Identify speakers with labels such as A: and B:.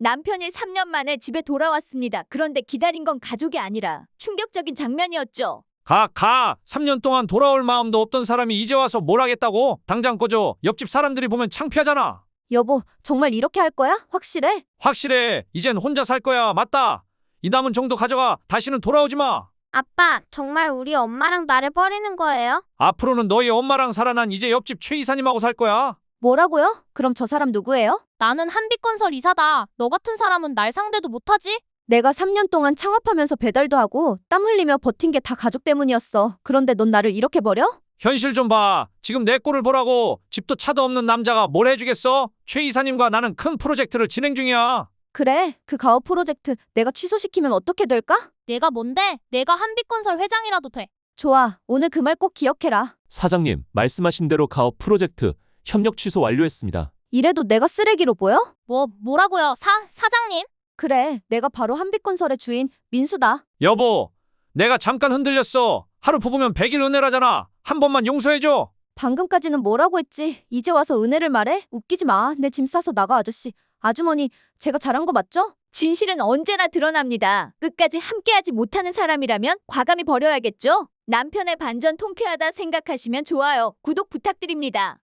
A: 남편이 3년 만에 집에 돌아왔습니다. 그런데 기다린 건 가족이 아니라 충격적인 장면이었죠.
B: 가. 3년 동안 돌아올 마음도 없던 사람이 이제 와서 뭘 하겠다고? 당장 꺼져. 옆집 사람들이 보면 창피하잖아.
C: 여보, 정말 이렇게 할 거야? 확실해?
B: 확실해. 이젠 혼자 살 거야. 맞다. 이 남은 정도 가져가. 다시는 돌아오지 마.
D: 아빠, 정말 우리 엄마랑 나를 버리는 거예요?
B: 앞으로는 너희 엄마랑 살아. 난 이제 옆집 최 이사님하고 살 거야.
C: 뭐라고요? 그럼 저 사람 누구예요?
E: 나는 한빛건설 이사다. 너 같은 사람은 날 상대도 못하지?
C: 내가 3년 동안 창업하면서 배달도 하고 땀 흘리며 버틴 게 다 가족 때문이었어. 그런데 넌 나를 이렇게 버려?
B: 현실 좀 봐. 지금 내 꼴을 보라고. 집도 차도 없는 남자가 뭘 해주겠어? 최 이사님과 나는 큰 프로젝트를 진행 중이야.
C: 그래, 그 가업 프로젝트 내가 취소시키면 어떻게 될까?
E: 내가 뭔데? 내가 한빛건설 회장이라도 돼.
C: 좋아, 오늘 그 말 꼭 기억해라.
F: 사장님, 말씀하신 대로 가업 프로젝트 협력 취소 완료했습니다.
C: 이래도 내가 쓰레기로 보여?
E: 뭐라고요? 사장님?
C: 그래, 내가 바로 한빛건설의 주인 민수다.
B: 여보, 내가 잠깐 흔들렸어. 하루 부부면 100일 은혜라잖아. 한 번만 용서해줘.
C: 방금까지는 뭐라고 했지? 이제 와서 은혜를 말해? 웃기지 마. 내 짐 싸서 나가, 아저씨. 아주머니, 제가 잘한 거 맞죠?
A: 진실은 언제나 드러납니다. 끝까지 함께하지 못하는 사람이라면 과감히 버려야겠죠? 남편의 반전 통쾌하다 생각하시면 좋아요, 구독 부탁드립니다.